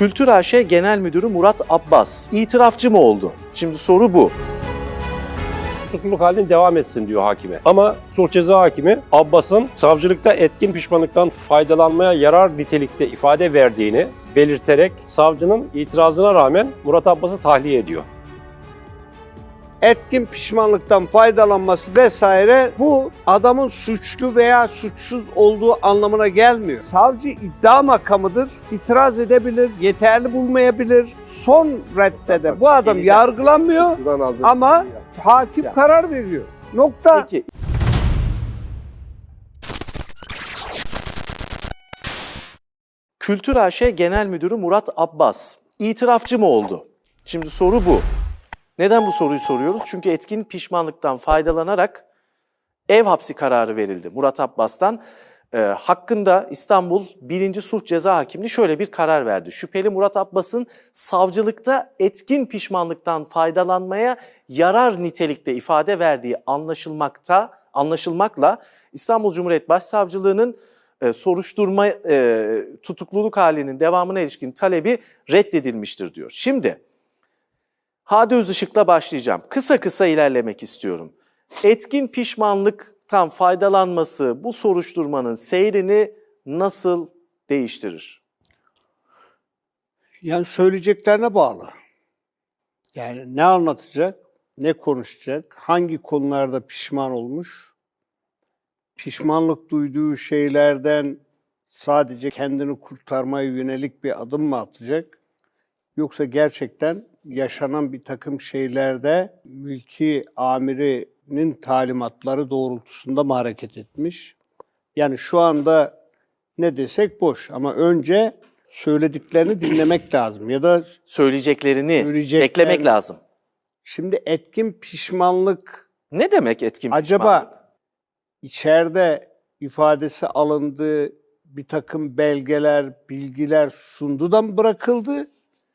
Kültür AŞ Genel Müdürü Murat Abbas itirafçı mı oldu? Şimdi soru bu. Tutukluluk halinde devam etsin diyor hakime. Ama sulh ceza hakimi Abbas'ın savcılıkta etkin pişmanlıktan faydalanmaya yarar nitelikte ifade verdiğini belirterek savcının itirazına rağmen Murat Abbas'ı tahliye ediyor. Etkin pişmanlıktan faydalanması vesaire bu adamın suçlu veya suçsuz olduğu anlamına gelmiyor. Savcı iddia makamıdır, itiraz edebilir, yeterli bulmayabilir. Son reddede bu adam yargılanmıyor ama hakim karar veriyor. Nokta. Peki. Kültür AŞ Genel Müdürü Murat Abbas itirafçı mı oldu? Şimdi soru bu. Neden bu soruyu soruyoruz? Çünkü etkin pişmanlıktan faydalanarak ev hapsi kararı verildi Murat Abbas'tan. Hakkında İstanbul 1. Sulh Ceza Hakimliği şöyle bir karar verdi. Şüpheli Murat Abbas'ın savcılıkta etkin pişmanlıktan faydalanmaya yarar nitelikte ifade verdiği anlaşılmakla İstanbul Cumhuriyet Başsavcılığı'nın soruşturma tutukluluk halinin devamına ilişkin talebi reddedilmiştir diyor. Şimdi Hadi Özışık'la başlayacağım. Kısa kısa ilerlemek istiyorum. Etkin pişmanlıktan faydalanması bu soruşturmanın seyrini nasıl değiştirir? Yani söyleyeceklerine bağlı. Yani ne anlatacak, ne konuşacak, hangi konularda pişman olmuş, pişmanlık duyduğu şeylerden sadece kendini kurtarmaya yönelik bir adım mı atacak, yoksa gerçekten yaşanan bir takım şeylerde mülki amirinin talimatları doğrultusunda mı hareket etmiş? Yani şu anda ne desek boş ama önce söylediklerini dinlemek lazım ya da Söyleyeceklerini beklemek lazım. Şimdi etkin pişmanlık Ne demek etkin pişmanlık? acaba içeride ifadesi alındı, bir takım belgeler, bilgiler sundu da mı bırakıldı?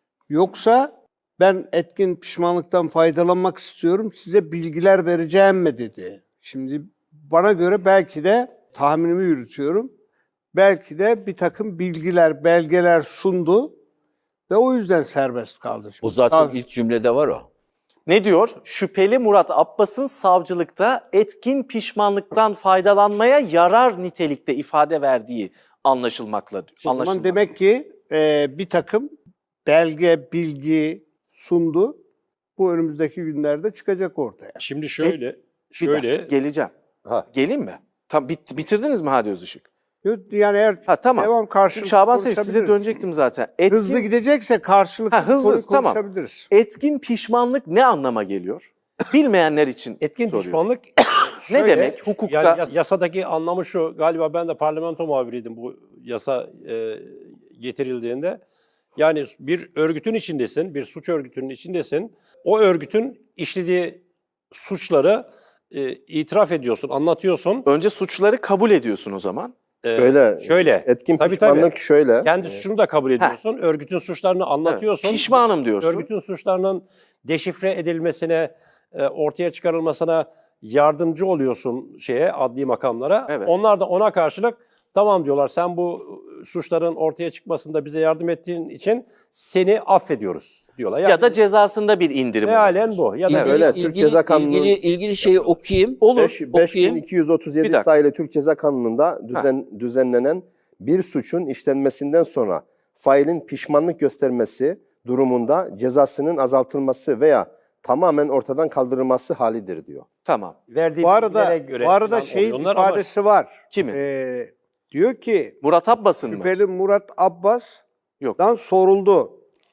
Yoksa ben etkin pişmanlıktan faydalanmak istiyorum, size bilgiler vereceğim mi dedi. Şimdi bana göre belki de tahminimi yürütüyorum. Belki de bir takım bilgiler, belgeler sundu ve o yüzden serbest kaldı. Şimdi O zaten ilk cümlede var o. Ne diyor? Şüpheli Murat Abbas'ın savcılıkta etkin pişmanlıktan faydalanmaya yarar nitelikte ifade verdiği anlaşılmakla diyor. O zaman demek ki bir takım belge, bilgi sundu. Bu önümüzdeki günlerde çıkacak ortaya. Şimdi Bir dakika, geleceğim. Ha. Geleyim mi? Tam bitirdiniz mi Hadi Özışık? Yani eğer Tamam. devam karşılıklı Şaban Sevinç size konuşabiliriz. dönecektim zaten. Hızlı gidecekse karşılıklı hızlı, tamam. konuşabiliriz. Etkin pişmanlık ne anlama geliyor? Bilmeyenler için Etkin soruyorum. pişmanlık Ne demek? Hukukta yani yasadaki anlamı şu, galiba ben de parlamento muhabiriydim bu yasa getirildiğinde. Yani bir örgütün içindesin, bir suç örgütünün içindesin. O örgütün işlediği suçları itiraf ediyorsun, anlatıyorsun. önce suçları kabul ediyorsun o zaman. Şöyle. Etkin Tabii, pişmanlık tabii. şöyle. Kendi suçunu da kabul ediyorsun. Örgütün suçlarını anlatıyorsun. Evet, pişmanım diyorsun. Örgütün suçlarının deşifre edilmesine, ortaya çıkarılmasına yardımcı oluyorsun adli makamlara. Evet. Onlar da ona karşılık tamam diyorlar, sen bu suçların ortaya çıkmasında bize yardım ettiğin için seni affediyoruz diyorlar. Yani Ya da cezasında bir indirim. mealen bu. Ya da öyle. Türk Ceza Kanunu- ilgili şeyi okuyayım. Olur. okuyayım. 5237 Bir dakika. sayılı Türk Ceza Kanunu'nda düzenlenen bir suçun işlenmesinden sonra failin pişmanlık göstermesi durumunda cezasının azaltılması veya tamamen ortadan kaldırılması halidir diyor. Tamam. verdiği Bu arada bilgilere göre bu falan şeyin oluyorlar ama ifadesi var. Kimin? Diyor ki Murat Abbas'ın mı? şüpheli Murat Abbas'dan Yok. soruldu.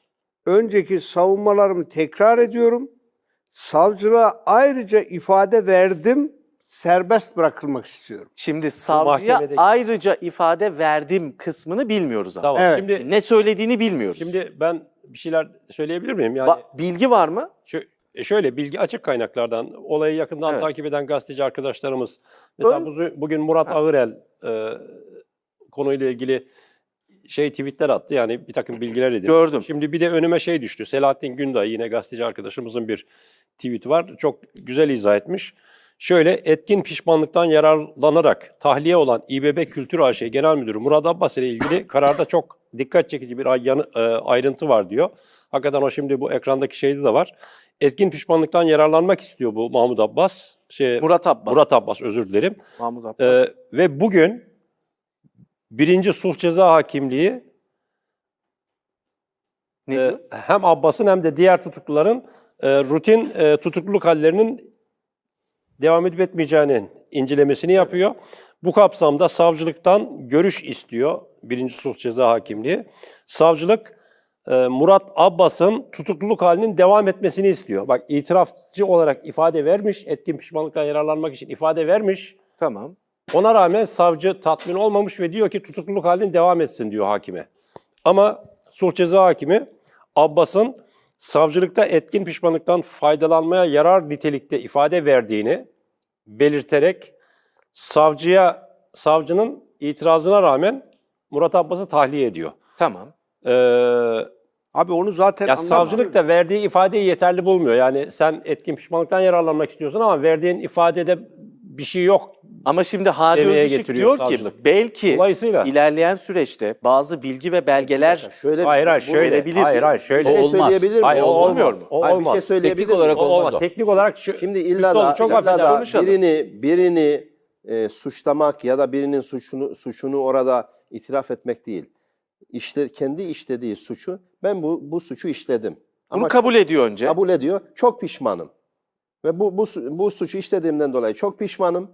Önceki savunmalarımı tekrar ediyorum. Savcılığa ayrıca ifade verdim. Serbest bırakılmak istiyorum. Şimdi savcıya mahkemedeki- ayrıca ifade verdim kısmını bilmiyoruz ama. tamam. Evet. Şimdi Ne söylediğini bilmiyoruz. ben bir şeyler söyleyebilir miyim? Yani Bilgi var mı? Şöyle, bilgi açık kaynaklardan, olayı yakından Evet. takip eden gazeteci arkadaşlarımız, mesela bugün Murat Ağırel konuyla ilgili tweetler attı, yani bir takım bilgiler edildi. Gördüm. Şimdi bir de önüme düştü. Selahattin Günday, yine gazeteci arkadaşımızın bir tweet var. Çok güzel izah etmiş. Şöyle, etkin pişmanlıktan yararlanarak tahliye olan İBB Kültür AŞ Genel Müdürü Murat Abbas ile ilgili kararda çok dikkat çekici bir ayrıntı var diyor. Hakikaten o şimdi bu ekrandaki şeyde de var. Etkin pişmanlıktan yararlanmak istiyor bu Mahmut Abbas. Murat Abbas. Murat Abbas, özür dilerim. Mahmut Abbas. Ve bugün 1. Sulh Ceza Hakimliği Ne diyor? hem Abbas'ın hem de diğer tutukluların rutin tutukluluk hallerinin devam edip etmeyeceğinin incelemesini yapıyor. Bu kapsamda savcılıktan görüş istiyor 1. Sulh Ceza Hakimliği. Savcılık Murat Abbas'ın tutukluluk halinin devam etmesini istiyor. Bak, itirafçı olarak ifade vermiş, etkin pişmanlıktan yararlanmak için ifade vermiş. Tamam. Ona rağmen savcı tatmin olmamış ve diyor ki tutukluluk halinin devam etsin diyor hakime. Ama Sulh Ceza Hakimi Abbas'ın savcılıkta etkin pişmanlıktan faydalanmaya yarar nitelikte ifade verdiğini belirterek savcının itirazına rağmen Murat Abbas'ı tahliye ediyor. Tamam. Abi onu zaten Ya savcılık da verdiği ifadeyi yeterli bulmuyor. Yani sen etkin pişmanlıktan yararlanmak istiyorsun ama verdiğin ifadede bir şey yok. Ama şimdi Hadi Demeye Özışık getiriyor diyor ki savcılık. belki Dolayısıyla- ilerleyen süreçte bazı bilgi ve belgeler Şöyle Hayır, bu- şöyle. verebilir. Hayır, şöyle. Bir şey olmaz. söyleyebilir miyim? Hayır, o Olmuyor olmaz. mu? O Hayır, bir olmaz. şey söyleyebilir Teknik olarak miyim? olmaz o. Teknik olarak Şimdi illa da, çok illa affedersin. da konuşalım. birini suçlamak ya da birinin suçunu orada itiraf etmek değil. Kendi işlediği suçu, ben bu suçu işledim. Bunu kabul ediyor önce. kabul ediyor. Çok pişmanım. Ve bu suçu işlediğimden dolayı çok pişmanım.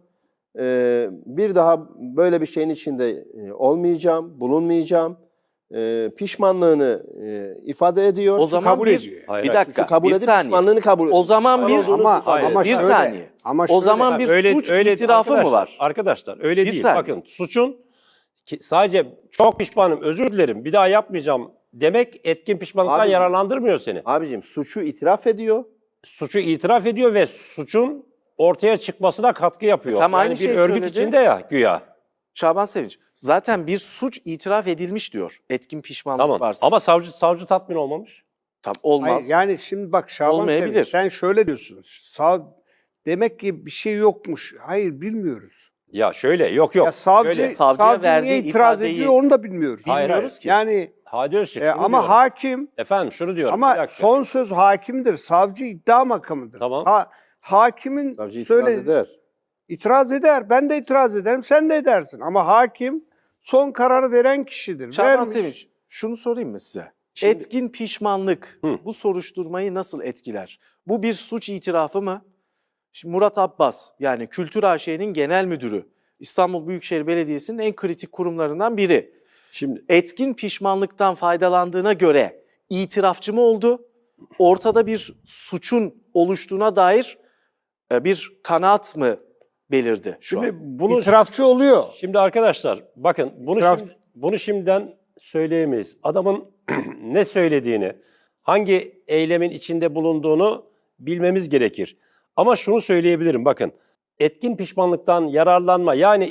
Bir daha böyle bir şeyin içinde olmayacağım, bulunmayacağım. Pişmanlığını ifade ediyor. O zaman kabul bir, ediyor. Hayır, bir hayır. dakika, kabul bir edip saniye. pişmanlığını kabul ediyor. O zaman bir, Ama bir şöyle, saniye. ama O şöyle- zaman bir suç itirafı mı arkadaşlar, var? Arkadaşlar öyle Bir değil. saniye. Bakın, suçun sadece çok pişmanım, özür dilerim, bir daha yapmayacağım demek etkin pişmanlıktan Abi- yararlandırmıyor seni. Abicim, suçu itiraf ediyor. Suçu itiraf ediyor ve suçun ortaya çıkmasına katkı yapıyor. Tam yani aynı bir şeyi örgüt söyledi. içinde ya güya. Şaban Sevinç. Zaten bir suç itiraf edilmiş diyor. Etkin pişmanlık Tamam. varsa. Ama savcı tatmin olmamış. Tam olmaz. Hayır, yani şimdi bak Şaban Olmayabilir. Sevinç, sen şöyle diyorsun. Demek ki bir şey yokmuş. Hayır, bilmiyoruz. Ya şöyle, yok. Ya savcı, Şöyle, savcıya verdiği niye itiraz ifadeyi- ediyor onu da bilmiyoruz. Hayır, Bilmiyoruz ki. Yani Hadi Özçelik, şunu ama diyorum. hakim, Efendim şunu diyorum. bir ama dakika. son söz hakimdir. Savcı iddia makamıdır. Tamam. Hakimin Savcı itiraz söyle eder. itiraz eder. Ben de itiraz ederim. Sen de edersin. Ama hakim son kararı veren kişidir. Şaban Vermiş. Sevinç, şunu sorayım mı size? Şimdi- Etkin pişmanlık bu soruşturmayı nasıl etkiler? Bu bir suç itirafı mı? Şimdi Murat Abbas, yani Kültür AŞ'nin genel müdürü, İstanbul Büyükşehir Belediyesi'nin en kritik kurumlarından biri. Şimdi Etkin pişmanlıktan faydalandığına göre itirafçı mı oldu? Ortada bir suçun oluştuğuna dair bir kanaat mı belirdi şu şimdi an? bunu İtirafçı oluyor. Şimdi arkadaşlar bakın İtiraf- bunu şimdiden söyleyemeyiz. Adamın ne söylediğini, hangi eylemin içinde bulunduğunu bilmemiz gerekir. Ama şunu söyleyebilirim, bakın. Etkin pişmanlıktan yararlanma, yani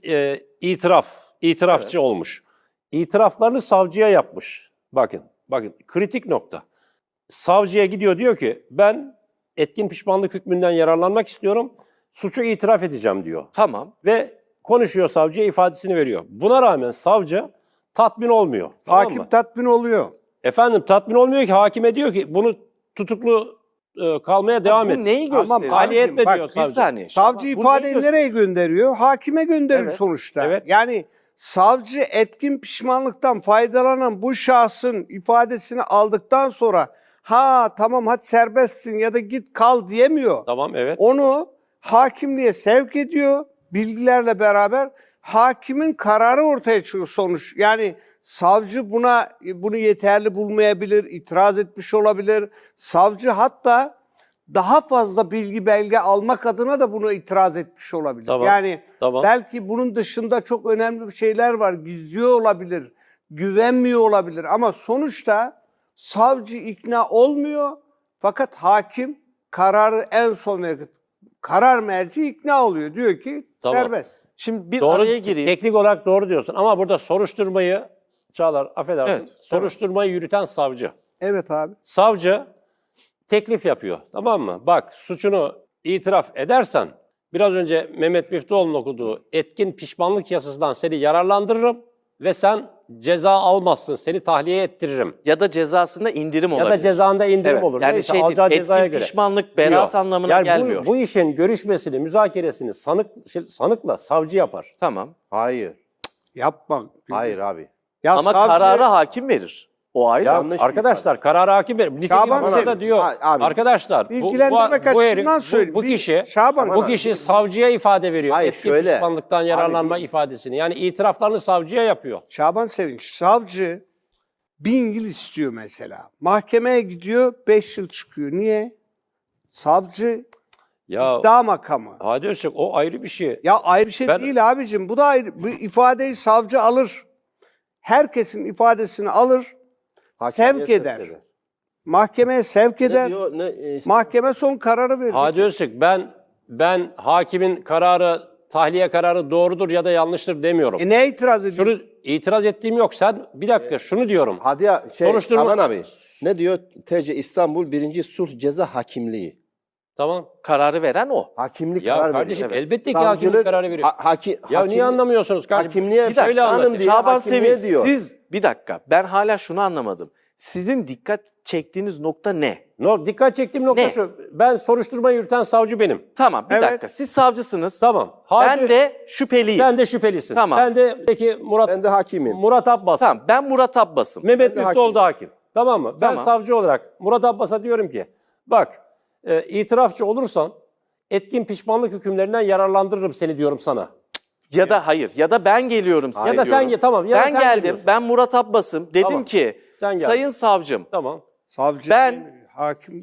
itirafçı olmuş. İtiraflarını savcıya yapmış. Bakın kritik nokta. Savcıya gidiyor, diyor ki ben etkin pişmanlık hükmünden yararlanmak istiyorum. Suçu itiraf edeceğim diyor. Tamam. Ve konuşuyor, savcıya ifadesini veriyor. Buna rağmen savcı tatmin olmuyor. Tamam Hakim mı? tatmin oluyor. Efendim tatmin olmuyor ki, hakime diyor ki bunu tutuklu kalmaya devam et. Bu neyi gösteriyor? Tahliye etme Bak, diyor Bir savcı. saniye. Savcı Bu neyi ifadeyi gösteriyor? nereye gönderiyor? Hakime gönderir Evet, sonuçta. evet. Yani savcı etkin pişmanlıktan faydalanan bu şahsın ifadesini aldıktan sonra tamam hadi serbestsin ya da git kal diyemiyor. Tamam, evet. Onu hakimliğe sevk ediyor bilgilerle beraber. Hakimin kararı ortaya çıkıyor sonuç. Yani savcı bunu yeterli bulmayabilir, itiraz etmiş olabilir. Savcı hatta daha fazla bilgi belge almak adına da bunu itiraz etmiş olabilir. Tamam, Yani tamam. belki bunun dışında çok önemli şeyler var. Gizliyor olabilir, güvenmiyor olabilir ama sonuçta savcı ikna olmuyor. Fakat hakim kararı en son verir. Karar merci ikna oluyor. Diyor ki Tamam. serbest. Şimdi bir Doğru, araya gireyim. teknik olarak doğru diyorsun ama burada soruşturmayı, Çağlar affedersin, Evet, soruşturmayı yürüten savcı. Evet abi. Savcı teklif yapıyor, tamam mı? Bak, suçunu itiraf edersen biraz önce Mehmet Müftüoğlu'nun okuduğu etkin pişmanlık yasasından seni yararlandırırım ve sen ceza almazsın, seni tahliye ettiririm. Ya da cezasında indirim olabilir. Ya da cezanda indirim Evet, olur. yani Neyse, şey değil, alacağı cezaya etkin göre. pişmanlık beraat diyor. anlamına Yani gelmiyor. Bu işin görüşmesini, müzakeresini sanıkla savcı yapar. Tamam. Hayır. Yapma. Hayır abi. Ya Ama savcı- kararı hakim verir. O ayrı. Ya Yanlış bir arkadaşlar kararı hakim verir. Nitekim Şaban burada Sevinç, diyor. abi, Arkadaşlar bilgilendirmek açısından söyleyeyim. bu kişi Şaban bu abi. kişi savcıya ifade veriyor. Hayır, Etkin şöyle. pişmanlıktan yararlanma ifadesini. Yani itiraflarını savcıya yapıyor. Şaban Sevinç, savcı 1000 yıl istiyor mesela. Mahkemeye gidiyor, 5 yıl çıkıyor. Niye? Savcı Ya iddia makamı. Hadi Öztürk, o ayrı bir şey. Ya ayrı bir şey Ben- değil abicim. Bu da ayrı. Bu ifadeyi savcı alır. Herkesin ifadesini alır. Hakimiyet Sevk eder. Mahkemeye sevk Ne eder. diyor? Mahkeme son kararı verir. Hadi Öztürk, ben hakimin kararı, tahliye kararı doğrudur ya da yanlıştır demiyorum. Ne itiraz ediyor? Şunu itiraz ettiğim yok. Sen bir dakika şunu diyorum. Hadi ya Soruşturma- Şaban abi. Ne diyor? TC İstanbul 1. Sulh Ceza Hakimliği. Tamam. Kararı veren o. Hakimlik Ya karar kardeşim veriyor. elbette ki hakimlik kararı veriyor. Ya niye anlamıyorsunuz kardeşim? Hakimliğe Bir dakika, Şöyle hanım anlatayım. diye Şaban hakimliğe Sevinç, diyor. siz bir dakika, ben hala şunu anlamadım. Sizin dikkat çektiğiniz nokta ne? Dikkat çektiğim nokta Ne? şu. Ben soruşturmayı yürüten savcı benim. Tamam, bir Evet. dakika. Siz savcısınız. Tamam. Ben de şüpheliyim. Sen de şüphelisin. Tamam. Sen de peki Ben de hakimim. Murat Abbas. Tamam, ben Murat Abbas'ım. Mehmet Ben de Müftüoğlu da hakim. Tamam mı? Ben Tamam. savcı olarak Murat Abbas'a diyorum ki bak itirafçı olursan etkin pişmanlık hükümlerinden yararlandırırım seni diyorum sana. Ya da hayır, ya da ben geliyorum size Ya da sen diyorum. tamam. Ya da Ben sen geldim, geliyorsun. ben Murat Abbas'ım. Dedim Tamam. ki, Sen geldin. sayın savcım, Tamam. Savcı Ben hakim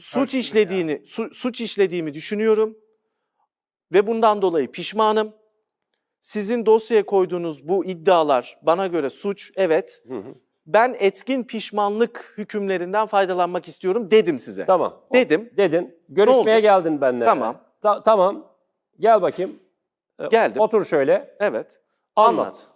suç işlediğimi düşünüyorum ve bundan dolayı pişmanım. Sizin dosyaya koyduğunuz bu iddialar bana göre suç, evet. Ben etkin pişmanlık hükümlerinden faydalanmak istiyorum dedim size. Tamam. Dedim. Dedin. Görüşmeye olacak? geldin benimle. Tamam. Tamam. Gel bakayım. Geldim. Otur şöyle. Evet. Anlat.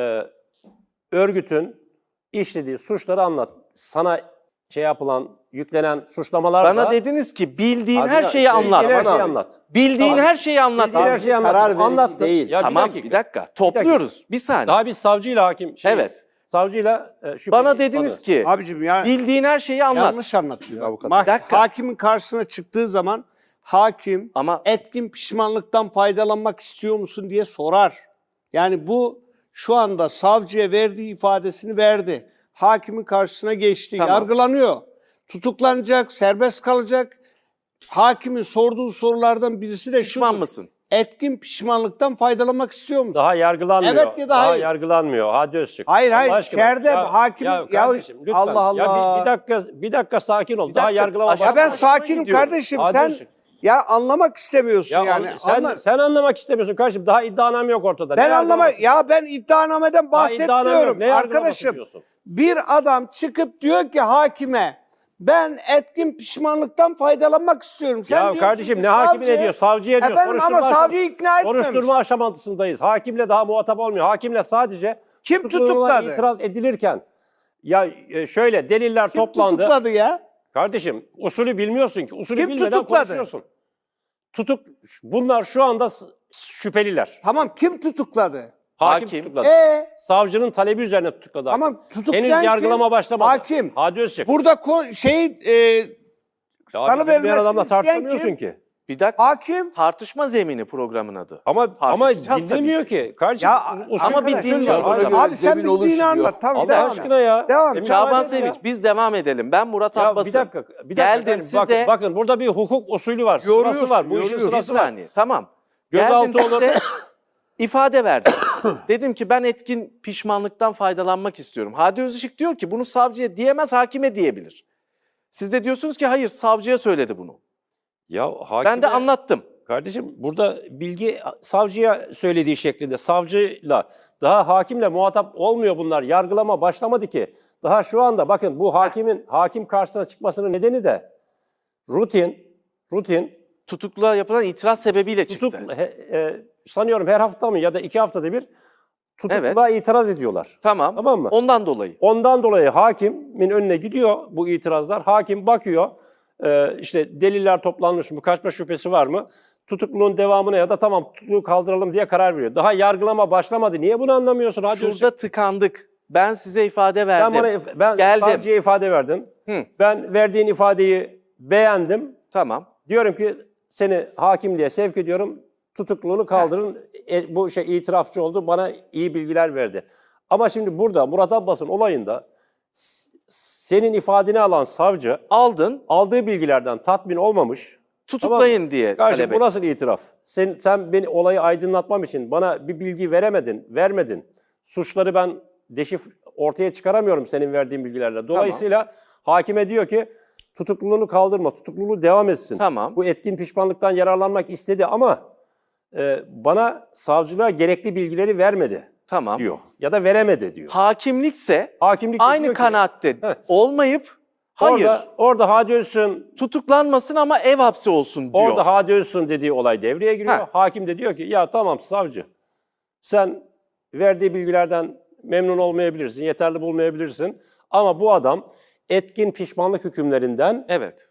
Örgütün işlediği suçları anlat. Sana yapılan, yüklenen suçlamalar Bana da dediniz ki bildiğin Hadi her ya, şeyi anlat. bildiğin her Tamam şeyi abi. anlat. Bildiğin Tamam. her şeyi anlat. Bildiğin her şeyi Karar anlattın. verici Anlattın. değil. Ya Tamam, bir dakika. Topluyoruz. Bir saniye. Daha biz savcıyla hakim Evet. Savcıyla şüpheli. Bana dediniz Tabii. ki Abicim ya bildiğin her şeyi anlat. yanlış anlatıyor. Avukat. Bak, Bir dakika. hakimin karşısına çıktığı zaman hakim Ama etkin pişmanlıktan faydalanmak istiyor musun diye sorar. Yani bu şu anda savcıya verdiği ifadesini verdi. Hakimin karşısına geçti, Tamam. yargılanıyor. Tutuklanacak, serbest kalacak. Hakimin sorduğu sorulardan birisi de pişman şudur. mısın? Etkin pişmanlıktan faydalanmak istiyor musun? Daha yargılanmıyor. Evet ya da Daha hayır. yargılanmıyor. Hadi Öztürk. Hayır, hayır. Allah aşkına. İçeride hakim- Ya ya kardeşim lütfen. Allah Allah. Ya bir dakika sakin ol. Daha dakika, yargılama aşağı- Ya ben Hoşuma sakinim gidiyor. kardeşim. Hadi Sen olsun. ya anlamak istemiyorsun Ya yani. sen anlamak istemiyorsun kardeşim. Daha iddianame yok ortada. Ben Ne anlamak yargılaması? ben iddianameden Daha iddianame yok. bahsetmiyorum Ne yargılaması arkadaşım. diyorsun? Bir adam çıkıp diyor ki hakime ben etkin pişmanlıktan faydalanmak istiyorum. Sen Ya diyorsun kardeşim ki ne hakimi savcı- ne diyor? Savcıya diyor. Efendim ama savcıyı ikna etmemiş. Soruşturma aşamasındayız. Hakimle daha muhatap olmuyor. Hakimle sadece Kim tutuklamalara tutukladı? itiraz edilirken şöyle deliller Kim toplandı. tutukladı ya? Kardeşim usulü bilmiyorsun ki. Usulü Kim bilmeden tutukladı? konuşuyorsun. Bunlar şu anda şüpheliler. Tamam kim tutukladı? Hakim, Hakim. tutukladı. Savcının Talebi üzerine tutukladı. Tamam tutuklayan Henüz yargılama kim? başlamadı. Hakim. Hadi Özçek. Burada Ya salı abi, bir verilmesini adamla isteyen tartışamıyorsun kim? ki. Bir dakika. hakim. Tartışma zemini programın adı. Ama Tartışacağız dinlemiyor ki. Kardeşim, Ya usul ama bir var. dinle. Usul var. Bana göre Abi sen zemin bildiğini oluşmuyor. anlat. Tamam, Allah devam et. aşkına ya. Devam. Emin Şaban Şaban Sevinç biz devam edelim. Ben Murat Ya Abbas'ım. bir dakika. Geldim efendim, size. Bakın burada bir hukuk usulü var. Sırası var. Bu işin yoruyorsun. Bir sırası var. saniye. Tamam. Gözaltı Geldim olur. size ifade verdim. Dedim ki ben etkin pişmanlıktan faydalanmak istiyorum. Hadi Özışık diyor ki bunu savcıya diyemez, hakime diyebilir. Siz de diyorsunuz ki hayır savcıya söyledi bunu. Ya Ben de anlattım. Kardeşim burada bilgi savcıya söylediği şeklinde. Savcıyla daha hakimle muhatap olmuyor bunlar. Yargılama başlamadı ki. Daha şu anda bakın bu hakim karşısına çıkmasının nedeni de rutin Tutukluğa yapılan itiraz sebebiyle çıktı. sanıyorum her hafta mı ya da 2 haftada bir tutukluğa itiraz ediyorlar. Tamam. Tamam mı? Ondan dolayı. Ondan dolayı hakimin önüne gidiyor bu itirazlar. Hakim bakıyor, işte deliller toplanmış mı, kaçma şüphesi var mı? tutukluluğun devamına ya da tamam tutukluluğu kaldıralım diye karar veriyor. Daha yargılama başlamadı. Niye bunu anlamıyorsun? Hadi Şurada tıkandık. Ben size ifade verdim. ben Geldim. savcıya ifade verdim. Hı. Ben verdiğin ifadeyi beğendim. Tamam. Diyorum ki seni hakimliğe sevk ediyorum. Tutukluluğunu kaldırın. Bu itirafçı oldu. Bana iyi bilgiler verdi. Ama şimdi burada Murat Abbas'ın olayında senin ifadeni alan savcı Aldın, aldığı bilgilerden tatmin olmamış. tutuklayın diye Kardeşim talep bu et. nasıl itiraf? Sen beni olayı aydınlatmam için bana bir bilgi vermedin. Suçları ben ortaya çıkaramıyorum senin verdiğin bilgilerle. Dolayısıyla hakime diyor ki tutukluluğunu kaldırma, tutukluluğu devam etsin. Tamam. Bu etkin pişmanlıktan yararlanmak istedi ama bana savcılığa gerekli bilgileri vermedi Tamam. diyor. Ya da veremedi diyor. Hakimlikse Hakimlik de aynı diyor ki- kanaatte Heh. olmayıp hayır Orada Hadi Özsün tutuklanmasın ama ev hapsi olsun diyor. Orada Hadi Özsün dediği olay devreye giriyor. Heh. Hakim de diyor ki ya tamam savcı sen verdiği bilgilerden memnun olmayabilirsin, yeterli bulmayabilirsin. Ama bu adam etkin pişmanlık hükümlerinden Evet.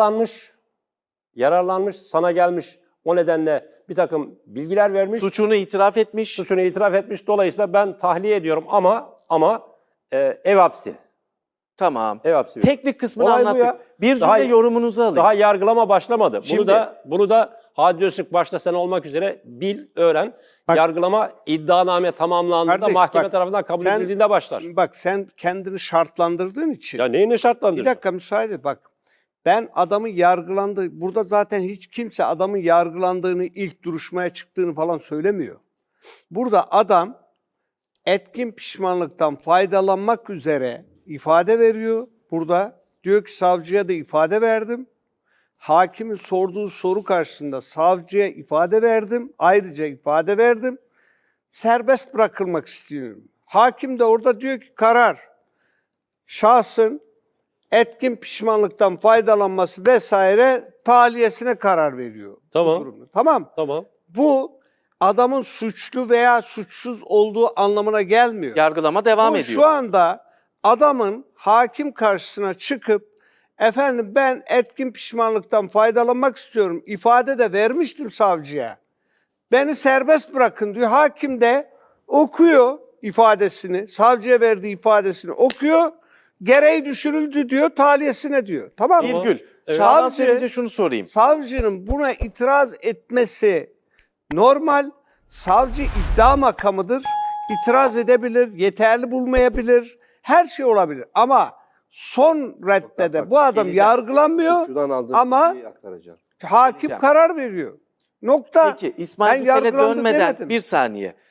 yararlanmış, sana gelmiş. O nedenle bir takım bilgiler vermiş, Suçunu itiraf etmiş. suçunu itiraf etmiş. Dolayısıyla ben tahliye ediyorum ama ev hapsi. Tamam. Ev hapsi. Teknik kısmını Olay bu anlattık. ya. Bir Daha- cümle yorumunuzu alayım. Daha yargılama başlamadı. Şimdi- Bunu da Hadi Öztürk başta sen olmak üzere bil, öğren. Bak- Yargılama iddianame tamamlandığında Kardeş, mahkeme bak, tarafından kabul sen- edildiğinde başlar. Bak sen kendini şartlandırdığın için. Ya neyini Bir şartlandırır? dakika müsaade et, bak. Ben adamın yargılandığı, burada zaten hiç kimse adamın yargılandığını, ilk duruşmaya çıktığını falan söylemiyor. Burada adam etkin pişmanlıktan faydalanmak üzere ifade veriyor. Burada diyor ki savcıya da ifade verdim. Hakimin sorduğu soru karşısında savcıya ifade verdim. Ayrıca ifade verdim. Serbest bırakılmak istiyorum. Hakim de orada diyor ki karar. Şahsın etkin pişmanlıktan faydalanması vesaire tahliyesine karar veriyor. bu Tamam. durumda. Tamam. Tamam. Bu adamın suçlu veya suçsuz olduğu anlamına gelmiyor. Yargılama devam Bu ediyor. şu anda adamın hakim karşısına çıkıp efendim ben etkin pişmanlıktan faydalanmak istiyorum. İfade de vermiştim savcıya. Beni serbest bırakın diyor. Hakim de okuyor ifadesini, savcıya verdiği ifadesini okuyor. Gereği düşürüldü diyor, tahliyesine diyor. Tamam mı? Virgül. Şaban Savcı- Sevinç'e şunu sorayım. Savcının buna itiraz etmesi normal. Savcı iddia makamıdır. İtiraz edebilir, yeterli bulmayabilir. Her şey olabilir. Ama son reddede bu adam yargılanmıyor Suçludan aldığım ama bilgiyi aktaracağım. hakim Diyeceğim. karar veriyor. Nokta. Peki İsmail Ben Tükel'e yargılandı dönmeden demedim. bir saniye.